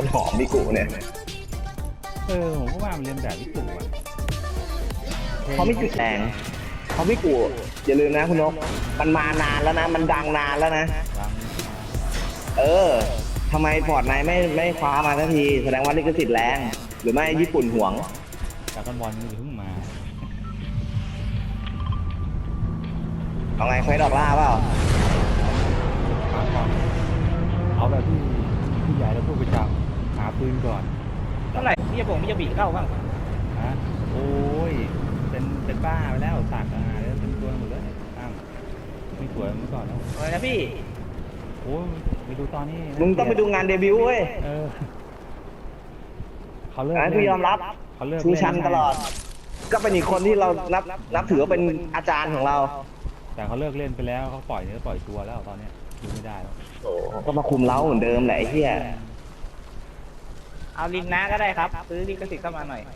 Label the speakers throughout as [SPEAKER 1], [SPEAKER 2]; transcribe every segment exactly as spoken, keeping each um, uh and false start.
[SPEAKER 1] หอมมิกุเนี่ย
[SPEAKER 2] เออผมก็ว่ามันเรียนแบบมิกุอ่ะ
[SPEAKER 1] เขาไม่จุดแรงเขามิกุอย่าลืมนะคุณนกมันมานานแล้วนะมันดังนานแล้วนะเออทำไมฟอร์ดไนท์ไม่ไม่คว้ามาสักทีแสดงว่าลิขสิทธิ์แรงหรือไม่ญี่ปุ่นหวง
[SPEAKER 2] จากกันบอลมันเพิ่งมา
[SPEAKER 1] เอาไงเควสดอกล่าเปล่า
[SPEAKER 2] เอาแบบที่ที่ใหญ่แล้วพูดไปจับหาปืนก่อน
[SPEAKER 3] เท่าไหร่พี่จะผมพี่จะบีเข้าบ้าง
[SPEAKER 2] ฮะโอ้ยเป็นเป็นบ้าไปแล้วสากอาแล้วเป็นตัวหมดเลยอ้าวไม่สวยเมื่อก่อนแล้ว
[SPEAKER 3] อะไรนะพี่
[SPEAKER 2] โอ้ยไปดูตอนนี้
[SPEAKER 1] มึงต้องไปดูงานเดบิวต์เว้ย
[SPEAKER 2] เออเขาเลิก
[SPEAKER 1] พี่ยอมรับ
[SPEAKER 2] เขาเลิก
[SPEAKER 1] ชูชันตลอดก็เป็นอีกคนที่เรานับนับถือว่าเป็นอาจารย์ของเรา
[SPEAKER 2] แต่เขาเลิกเล่นไปแล้วเขาปล่อยเนื้อปล่อยตัวแล้วตอนนี้ดูไม่ได้แล้ว
[SPEAKER 1] โอ้ก็มาคุมเล้าเหมือนเดิมแหละไอ้เหี้ย
[SPEAKER 3] เอาลินนะก็ได้ครับซื้อลิขสิทธิ์เข้ามาหน่อย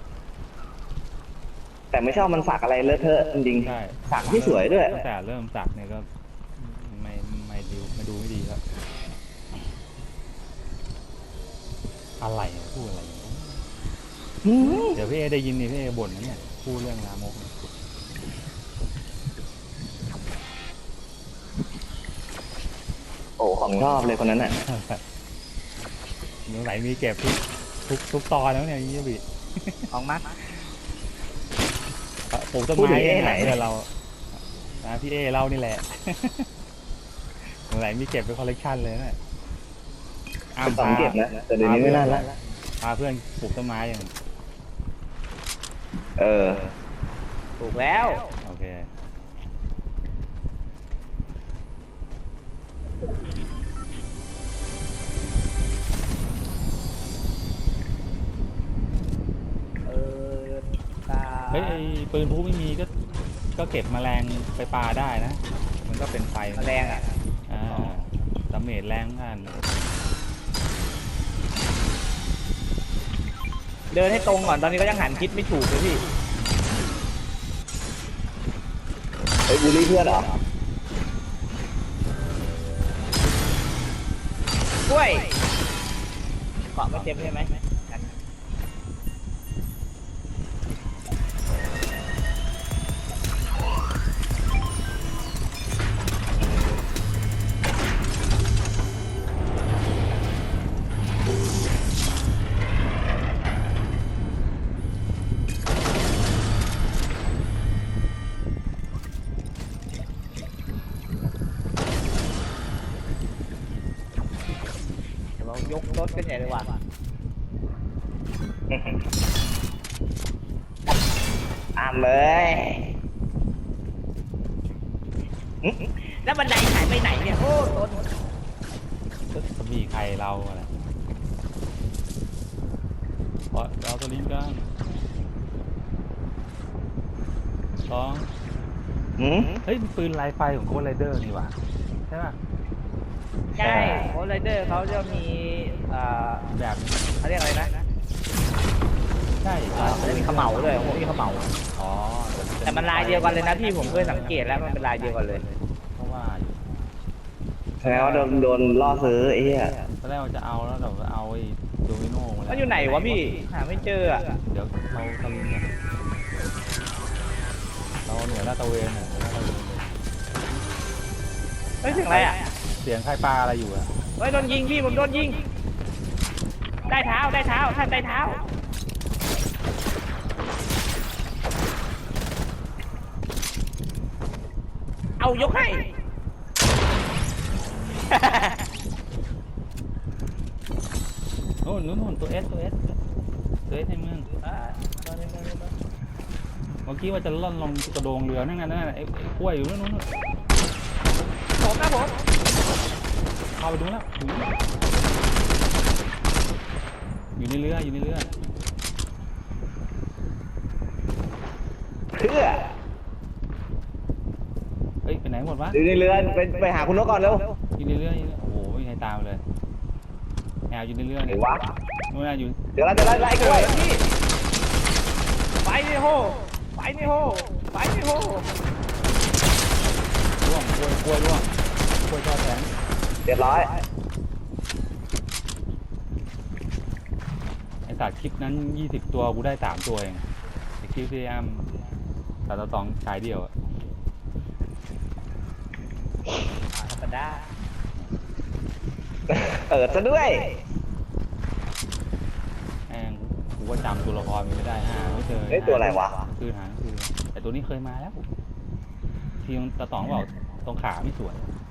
[SPEAKER 1] แต่ไม่ชอบมันสักอะไรเลอะเทอะจริงๆสักที่สวยด้วย
[SPEAKER 2] แต่เริ่มสักเนี่ยก็ไม่ไม่ดูไม่ดูไม่ดีครับอะไรพูดอะไรเดี๋ยวพี่เอได้ยินนี่พี่เอบ่นนะเนี่ยพูดเรื่องลามก
[SPEAKER 1] โอ้ของชอบเลยคนนั้นน่ะ
[SPEAKER 2] เมื่อไหร่มีเก็บทุกทุกทุกตอนแล้วเนี่ยยี่บี
[SPEAKER 3] ของมัด
[SPEAKER 2] ปลูกต้นไม้ไหนเนี่ยเรานะพี่เอเรานี่แหละเมื่อไหร่มีเก็บเป็นคอลเลกชันเลยนะ
[SPEAKER 1] อ้ามเก็บนะแต่เดี๋ยวนี้ไม่น่าละ
[SPEAKER 2] พาเพื่อนปลูกต้นไม้อย่าง
[SPEAKER 1] เออ
[SPEAKER 3] ปลูกแล้ว
[SPEAKER 2] โอเคเฮ้ยปืนพลุไม่มีก็ก็เก็บแมลงไปปลาได้นะมันก็เป็นไฟ
[SPEAKER 3] แมลงอ่ะ
[SPEAKER 2] อ่าดาเมจแรงกัน
[SPEAKER 3] เดินให้ตรงก่อนตอนนี้ก็ยังหันคิดไม่ถูกเลยพี่
[SPEAKER 1] ไอ้บูลลี่เพื่อนเหรอ
[SPEAKER 3] กล้วยเกาะไม่เต็มใช่ไหมยกรถกันใหญ่เลยว่ะ
[SPEAKER 1] อ้ามเลย
[SPEAKER 3] แล้วบันไดหายไปไหนเนี่ยโอ้ต้น
[SPEAKER 2] จะมีใครเราอะไรเพราะเราตัวนี้กันสองเฮ้ยปืนไลไฟของโค้ดไรเดอร์นี่ว่ะใช่ป่ะ
[SPEAKER 3] ใช่โค้ดไรเดอร์เขาจะมี
[SPEAKER 2] แบบ
[SPEAKER 3] เขาเรียกอะไรนะ
[SPEAKER 2] ใช่
[SPEAKER 3] เขาจะมีขมเหลาด้วยผมมีขมเหลา
[SPEAKER 2] อ๋อ
[SPEAKER 3] แต่มันลายเดียวกันเลยนะพี่ผมเคยสังเกตแล้วมันเป็นลายเดียวกันเลย
[SPEAKER 2] เพราะว่า
[SPEAKER 1] แสดงว่าโดนโดนล่อซื้อไอ้เหี้ย
[SPEAKER 2] ตอนแรกจะเอาแล้วเราเอาไอ้โดมิโน่มาแล้ว
[SPEAKER 3] มันอยู่ไหนวะพี่หาไม่เจออ่ะ
[SPEAKER 2] เดี๋ยวเราทำเนี่ยเราหน่วยลาดตระเวนเนี่ย
[SPEAKER 3] เฮ้ยเสียงอะไรอ่ะ
[SPEAKER 2] เสียงใครปลาอะไรอยู่อะ
[SPEAKER 3] เฮ้ยโดนยิงพี่ผมโดนยิงได้เท้าได้เท้าท่านได้เท้าเอายกให้
[SPEAKER 2] โน่นนู่นตัวเอสตัวเอสตัวเอสให้มึงเมื่อกี้ว่าจะล่อนลงกระโดงเรือนั่นไงนั่นไงไอ้กล้วยอยู่นู่นนู่น
[SPEAKER 3] ผมนะผม
[SPEAKER 2] เข้าไปดูแล้วอยู่ในเรืออยู่ในเรือ
[SPEAKER 1] เพื่อ
[SPEAKER 2] เฮ้ยไปไหนหมดวะ
[SPEAKER 1] อยู่ในเรือไปไปหาคุณนกก่อนเร็ว
[SPEAKER 2] อยู่ในเรือโอ้โหไม่มีใครตามเลยแอบอยู่ในเรือ
[SPEAKER 1] ไงวะ
[SPEAKER 2] นู่นอยู่
[SPEAKER 1] เดี๋ยวเราจะไล่ไล่กล้วย
[SPEAKER 3] พี่ไปนี่โหไปนี่โหไปนี่โห
[SPEAKER 2] ร่วงกล้วยกล้วยร่วงกล้วยทอดแข็ง
[SPEAKER 1] เรียบร้อย
[SPEAKER 2] สัตว์คลิปนั้นยี่สิบตัวกูได้สามตัวเองไอคลิปที่อ้ามแต่ละสองฉายเดียวอะ
[SPEAKER 3] ธรรมดา
[SPEAKER 1] เปิดซะด้วย
[SPEAKER 2] แม่งกูก็จำตัวละครมันไม่ได้หาไม่เจอ
[SPEAKER 1] เฮ้ยตัวอะไรวะ
[SPEAKER 2] คือหาคือแต่ตัวนี้เคยมาแล้วที่ตาตองบอกตรงขาไม่สวย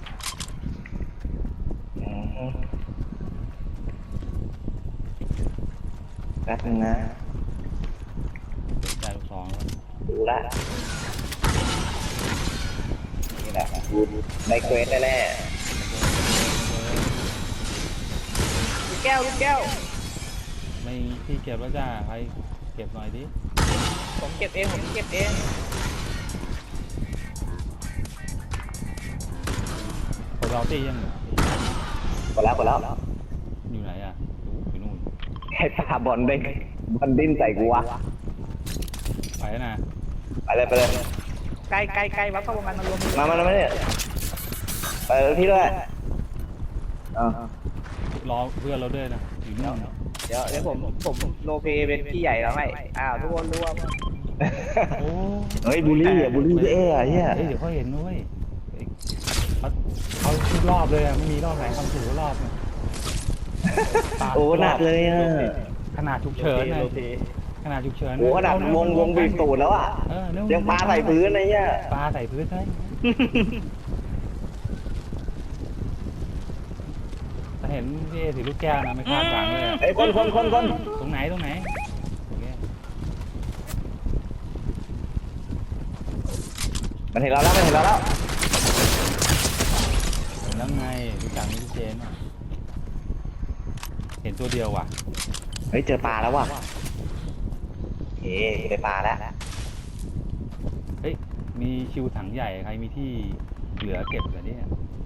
[SPEAKER 1] อืมแป๊บนึงนะ
[SPEAKER 2] ได้ลูกสองแล้ว
[SPEAKER 1] ดูละนี่แหละดูได้เควสแน่
[SPEAKER 3] ลูกแก้วลูกแก้ว
[SPEAKER 2] ไม่ที่เก็บแล้วจ้าใครเก็บหน่อยดิ
[SPEAKER 3] ผมเก็บเองผมเก็บเอง
[SPEAKER 2] คนเราตียัง
[SPEAKER 1] ๆกดแล้วกดแล้ว
[SPEAKER 2] อยู่ไหนอ่ะอยู่นู่น
[SPEAKER 1] ให้ปาบอลได้บอลดิ้นใส่กูวะ
[SPEAKER 2] ไปแล้วนะ
[SPEAKER 1] ไปเลยไปเลย
[SPEAKER 3] ใกล้ใกล้ใกล้วัดเข้าวงการมารวม
[SPEAKER 1] มามามาเนี่ยไปเลยพี่ด้วยอ่าร
[SPEAKER 2] อเพื่อนเราด้วยนะอยู่นู่น
[SPEAKER 3] เดี๋ยวเดี๋ยวผมผมโลเปเป็นพี่ใหญ่แล้วให้อ้าวทุกคนรวม
[SPEAKER 2] โอ้
[SPEAKER 1] เฮ้ยบูลลี่อ่ะบูลลี่เอ้อะเฮีย
[SPEAKER 2] เฮ้ยเดี๋ยวเขาเห็นด้วยเฮ้ยเขาเขาทุกรอบเลยอ่ะไม่มีรอบไหนทำถูกรอบเนี่ยปาด
[SPEAKER 1] โอ้หนักเลยอ่ะ
[SPEAKER 2] ขนาดฉุกเฉินไง
[SPEAKER 3] โลเป
[SPEAKER 2] ขนาดฉุกเฉิน
[SPEAKER 1] โอ้ขนาดวงวงบีบตูดแล้วอ่ะ
[SPEAKER 2] เออเร็ว
[SPEAKER 1] ยังปาใส่พื้นไอ้เหี้ย
[SPEAKER 2] ปลาใส่พื้นใช่แต่เห็นพี่เอถือลูกแก้วนะไม่คาดหวังเลยอะ
[SPEAKER 1] ไอ้ยคนคนคนคน
[SPEAKER 2] ตรงไหนตรงไหนโอเค
[SPEAKER 1] มันเห็นเราแล้วมันเห็นเราแล้ว
[SPEAKER 2] เห็นแล้วไงรู้จักนี่พี่เจนอะเห็นตัวเดียวว่ะ
[SPEAKER 1] เฮ้ยเจอปลาแล้วว่ะเฮ้ยได้ปลาแล้ว
[SPEAKER 2] เฮ้ยมีชิวถังใหญ่ใครมีที่เหลือเก็บเหลือเนี่ย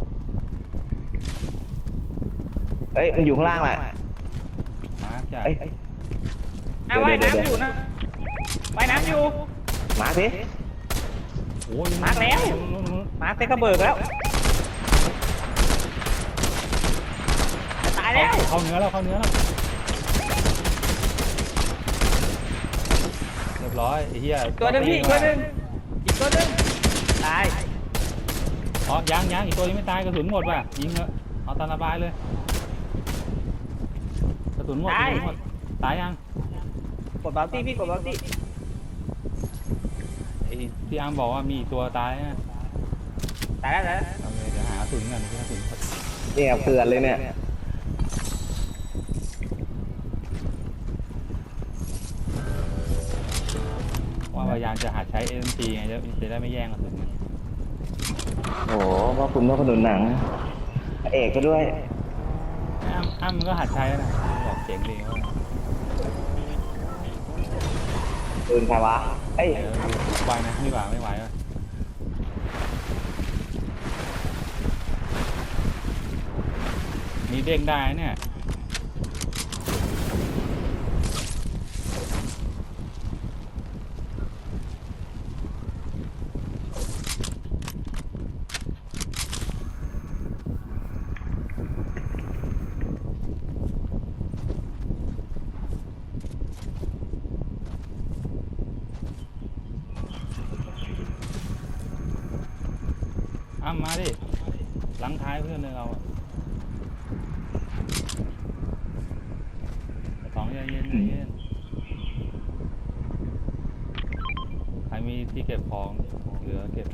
[SPEAKER 1] เฮ้ยมันอยู่ข้างล่างแหละ
[SPEAKER 2] มาร์คจ้ะ
[SPEAKER 1] เอ้ย
[SPEAKER 3] อ้าวว่ายน้ำอยู่นะว่ายน้ำอยู่
[SPEAKER 1] มาสิ
[SPEAKER 2] โอ้ย
[SPEAKER 3] มาร์คแล้ว มาเต็กระเบิดแล้วจะตายแล้ว
[SPEAKER 2] เข้าเนื้อแล้วเข้าเนื้อแล้วเรียบร้อยไอ้เหี้ย
[SPEAKER 3] ตัวหนึงพี่อีกตัวหนึงอีกตัวหนึงตาย
[SPEAKER 2] อ๋อยังยังอีกตัวยังไม่ตายกระสุนหมดว่ะยิงเถอะเอาตามระบายเลยกระสุนหมดกระสุนหมดตายยัง
[SPEAKER 3] กดบาลตี้พี่กดบาลตี้
[SPEAKER 2] ไอ้ที่อาร์มบอกว่ามีอีกตัวตายนะ
[SPEAKER 3] ตายแล้วตายแล้ว
[SPEAKER 2] โอเคเดี๋ยวหากระสุนกันกระสุน
[SPEAKER 1] เนี่ยเผื่อนเลยเนี่ย
[SPEAKER 2] ว่าพยายามจะหาใช้เอ็มจีไงจะจะได้ไม่แย่งกระสุนกัน
[SPEAKER 1] โอ้โหพ่อคุณพ่อขนุนหนังพระเอกก็ด้วย
[SPEAKER 2] อ้ามอ้ามมันก็หัดใช้แล้วนะบอกเจ๋งดีว่า
[SPEAKER 1] ปืนใครวะเอ้ย
[SPEAKER 2] เดี๋ยวไหวนะไม่ไหวไม่ไหวว่ะมีเด้งได้เนี่ยอ้ามมาดิหลังท้ายเพื่อนเลยเราอะสองใจเย็นใจเย็นใครมีที่เก็บของเหลือเก็บ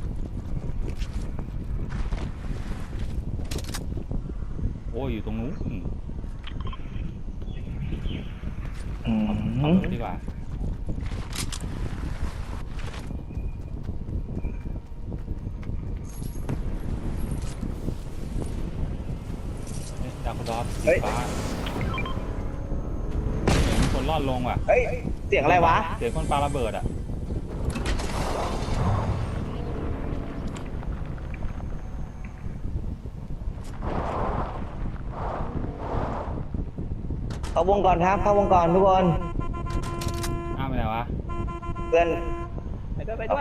[SPEAKER 2] โอ้ยอยู่ตรงนู้นอืม
[SPEAKER 1] อื
[SPEAKER 2] เอา
[SPEAKER 1] ม
[SPEAKER 2] รถดีกว่าเฮ้ยดาวดอฟสีฟ้าเห็นมีคนรอดลงว่ะ
[SPEAKER 1] เฮ้ยเสียงอะไรวะ
[SPEAKER 2] เสียงคนปาระเบิดอ่ะ
[SPEAKER 1] เข้าวงก่อนครับเข้าวงก่อนทุกคน
[SPEAKER 2] อ้าวไปไหนวะ
[SPEAKER 1] เพื่อน
[SPEAKER 3] ไปด้วยไปด้วย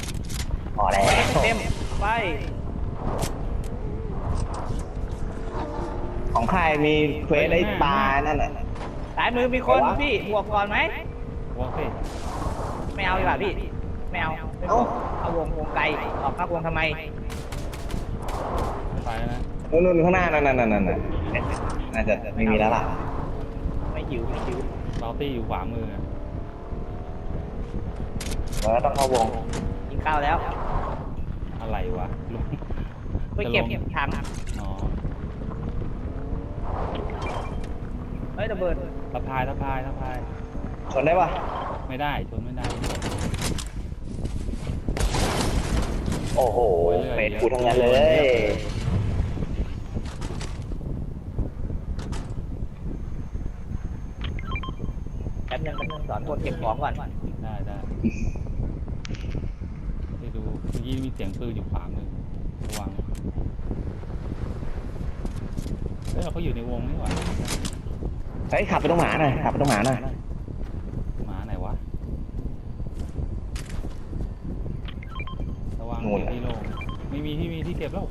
[SPEAKER 1] พอแล้ว
[SPEAKER 3] เต็มไป
[SPEAKER 1] ของใครมีเควสไอ้ปลานั่นน่ะ
[SPEAKER 3] สายมือมีคนพี่บวกก่อนไหม
[SPEAKER 2] วงสิ
[SPEAKER 3] ไม่เอาดีกว่าพี่ไม่เอาไม่บวกเอาวงวงไกลออกนอกวงทำไม
[SPEAKER 2] ไปแล้วนะ
[SPEAKER 1] นู่นๆข้างหน้านั่นนั่นนั่นนั่นเอ๊ะน่าจะไม่มีแล้วล่ะ
[SPEAKER 3] ไม่หิวไม่หิว
[SPEAKER 2] เราตี้อยู่ขวามืออะ
[SPEAKER 1] เราก็ต้องเข้าวง
[SPEAKER 3] กินข้าวแล้ว
[SPEAKER 2] อะไรวะลง
[SPEAKER 3] ไปเก็บ
[SPEAKER 2] จะลง
[SPEAKER 3] ถัง
[SPEAKER 2] อ๋อ
[SPEAKER 3] เฮ้ยระเบิด
[SPEAKER 2] สะพายสะพายสะพาย
[SPEAKER 1] ชนได้ปะ
[SPEAKER 2] ไม่ได้ชนไม่ได้
[SPEAKER 1] โอ้โหเฟสกูทั้งนั้นเลย
[SPEAKER 3] แป๊บนึงแป๊บนึงสอนคนเก็บของก่อน
[SPEAKER 2] ได้ได้ไปดูเมื่อกี้มีเสียงปืนอยู่ขวามือระวังเฮ้ยเราก็อยู่ในวงนี่หว่า
[SPEAKER 1] เฮ้ยขับไปตรงหมาหน่อยขับไปตรงหมาหน่อย
[SPEAKER 2] หมาไหนวะระวังเก็บที่โล่งไม่มีที่มีที่เก็บแล้ว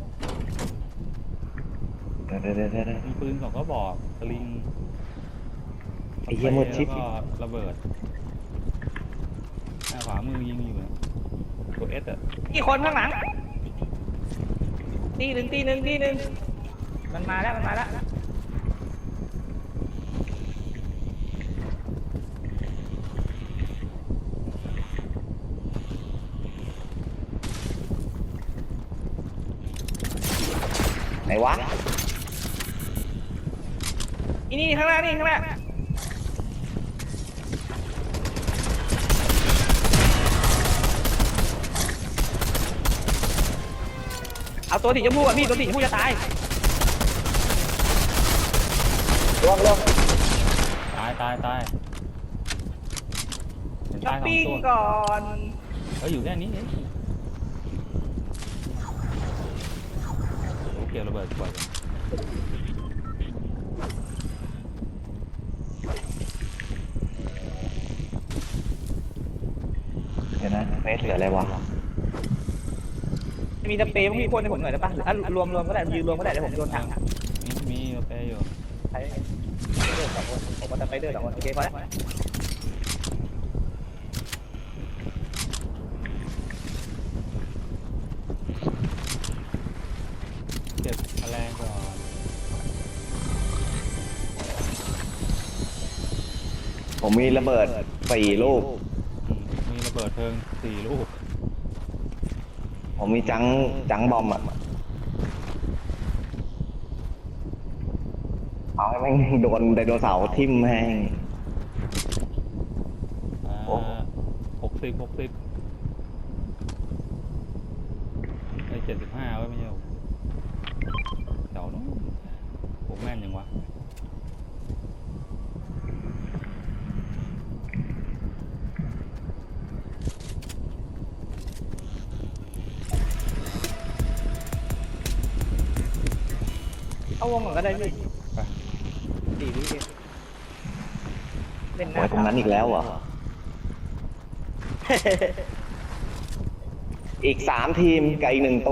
[SPEAKER 1] เดี๋ยวเดี๋ยวเดี๋ยวเดี๋ยว
[SPEAKER 2] มีปืนสองก็บอกสลิง
[SPEAKER 1] ไอ้เหี้ยมืดชิด
[SPEAKER 2] แล้วก็ระเบิดหน้าขวามือยิงอยู่นะตัวเอสอะ
[SPEAKER 3] กี่คนข้างหลังตีหนึ่งตีหนึ่งตีหนึ่งมันมาแล้วมันมาแล้ว
[SPEAKER 1] ไหนวะ
[SPEAKER 3] อีนี่ข้างหน้านี่ข้างหน้าเอาตัวสีชมพูก่อนพี่ตัวสีชมพูจะตาย
[SPEAKER 1] ร่วงร่วง
[SPEAKER 2] ตายตายตายเห็น
[SPEAKER 3] ช้อ
[SPEAKER 2] ตา
[SPEAKER 3] ป
[SPEAKER 2] ยสอง
[SPEAKER 3] ปิ้ง
[SPEAKER 2] ตัว
[SPEAKER 3] ก่อน
[SPEAKER 2] เฮ้ยอยู่แค่นี้เองโอ้เกี่ยวระเบิดกว่า
[SPEAKER 1] เดี๋ยวนะเฟสเหลืออะไรวะ
[SPEAKER 3] มีตะเปย์พี่พ่นให้ผมหน่อยได้ปะหรือถ้ารวมรวมก็ได้ยืนรวมก็ได้เดี๋ยวผมโยนถัง
[SPEAKER 2] มีมีกาแฟอยู่
[SPEAKER 3] ใช้เดอร์สองคนผมมาตะไปเดอร์สองคนโอเคพอแล้ว
[SPEAKER 2] เก็บแมลงก่อน
[SPEAKER 1] ผมมีระเบิดสี่ลูก
[SPEAKER 2] อืมมีระเบิดเพลิงสี่ลูก
[SPEAKER 1] ผมมีจังจังบอมอ่ะเอาให้แม่งโดนไดโนเสาร์ทิ่มแห้ง
[SPEAKER 2] อ่า
[SPEAKER 1] โอ้
[SPEAKER 2] หกสิบหกสิบไอ้เจ็ดสิบห้าไว้ไม่ใช่หรอเดี๋ยวนู้นผมแม่นยังวะ
[SPEAKER 3] เอาวงก่อนก็ได้พี่
[SPEAKER 2] ไป
[SPEAKER 3] ดีดีดีเล่นห
[SPEAKER 1] โอ้
[SPEAKER 3] น้าย
[SPEAKER 1] ตรงนั้นอีกแล้วเหรอ อีกสามทีมกับอีกหนึ่งตัว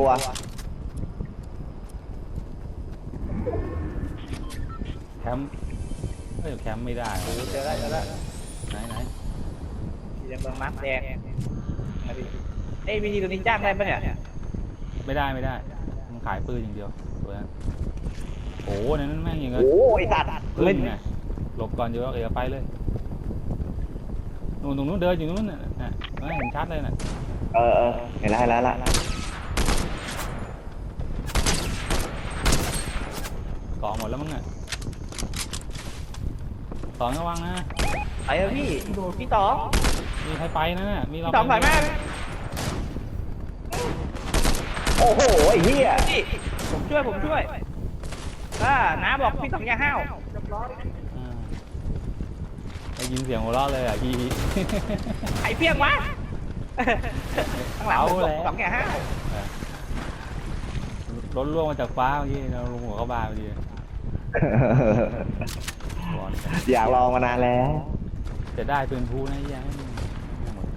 [SPEAKER 2] แคมป์เอ้ยแคมป์ไม่ได้
[SPEAKER 3] โอ้เจอแล้วเจอแล้ว
[SPEAKER 2] ไหนไหน
[SPEAKER 3] สีแดงเมืองมาร์คแดงมาดิเอ้ยวีดีตัวนี้จ้างได้ปะเนี่ย
[SPEAKER 2] ไม่ได้ไม่ได้มันขายปืนอย่างเดียวตัวนั้นโอ้โหในนั้นแม่งอย่างเงี้ย
[SPEAKER 1] โอ้ยสัตว์
[SPEAKER 2] ปื
[SPEAKER 1] ไม่
[SPEAKER 2] นไงหลบก่อนเดี๋ยวเอ๋ไปเลยนู่นตรงนู้นเดินอยู่นู้นน่ะน่ะไม่เห็นชัดเลยน่ะ
[SPEAKER 1] เออเออเห็นแล้วเห็นแล้วละ
[SPEAKER 2] เกาะหมดแล้วมั้งน่ะสองระวังนะ
[SPEAKER 3] ไปเถอะพี่พี่ต๋อง
[SPEAKER 2] มีใครไปนะน่ะมีเรา
[SPEAKER 3] พี่ต๋อง
[SPEAKER 2] ไป
[SPEAKER 3] ถ่าย
[SPEAKER 2] ไหม
[SPEAKER 3] แม่
[SPEAKER 1] โอ้โหไอ้เหี้ย
[SPEAKER 3] พี่ผมช่วยผมช่วยอ่าน้าบอกพี่ต๋องอย่าห้าว
[SPEAKER 2] อ่าได้ยินเสียงหัวเราะเลยอ่ะพี่
[SPEAKER 3] ไข่เพี้ยงวะข้างหลังผมบอกต๋องอย่าห้าว
[SPEAKER 2] รถล่วงมาจากฟ้าเมื่อกี้เราลงหัวเข้าบ้านพอดีร้อน
[SPEAKER 1] อยากลองมานานแล้ว
[SPEAKER 2] จะได้เป็นผู้นะยังไม่หมด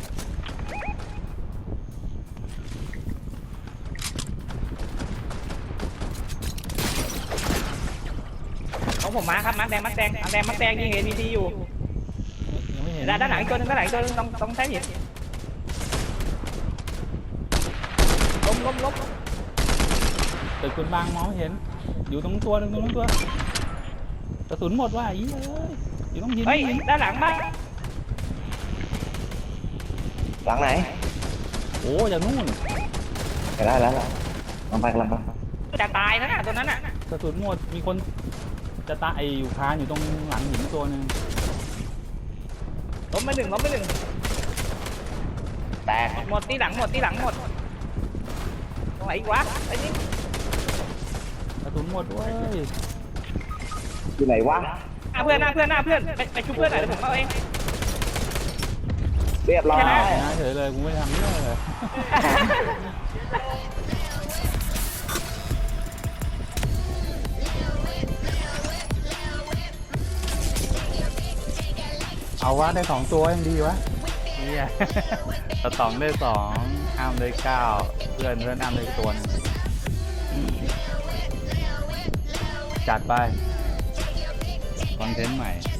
[SPEAKER 3] ของผมมาครับมาร์คแดงมาร์คแดงมาร์คแดงมาร์คแดงยิงเอ็นดีอยู่
[SPEAKER 2] ยังไม่เห็น
[SPEAKER 3] ด้านด้านหลังอีกตัวหนึงด้านหลังอีกตัวหนึงต้องต้องใช้หินล้มล้มล้ม
[SPEAKER 2] ตึกคุณบางมองไม่เห็น อยู่ตรงตัวหนึงตรงนู้นตัวกระสุนหมดว่ะอีเอ้ยอยู่ตรงหิน
[SPEAKER 3] เฮ้ย
[SPEAKER 2] หิน
[SPEAKER 3] ด้านหลังมา
[SPEAKER 1] หลังไหน
[SPEAKER 2] โอ้จากนู่น
[SPEAKER 1] ไปได้แล้วลองไปกันลองไป
[SPEAKER 3] จะตายนะน่ะตัวนั้นน่ะ
[SPEAKER 2] กระสุนหมดมีคนจะตายอยู่คานอยู่ตรงหลังหินตัวหนึง
[SPEAKER 3] ล้มไปหนึ่งล้มไปหนึ่ง
[SPEAKER 1] แตก
[SPEAKER 3] หมดที่หลังหมดที่หลังหมดตรงไหนอีกวะไอ้นี่
[SPEAKER 2] กระสุนหมดเว้ย
[SPEAKER 1] อยู่ไหนวะ
[SPEAKER 3] หน้าเพื่อนหน้าเพื่อนหน้าเพื่อนไปไปชุบเพื่อนหน่อยเดี๋ยวผมเอาเอง
[SPEAKER 1] เรียบร้อย
[SPEAKER 2] นะเฉยเลยกูไม่ทำเรื่องเลย เอาวะได้สองตัวยังดีวะเนี่ยตะตองได้สองอ้ามได้เก้าเพื่อนเพื่อนอ้ามได้ตัวหนึงจัดไปคอนเทนต์ใหม่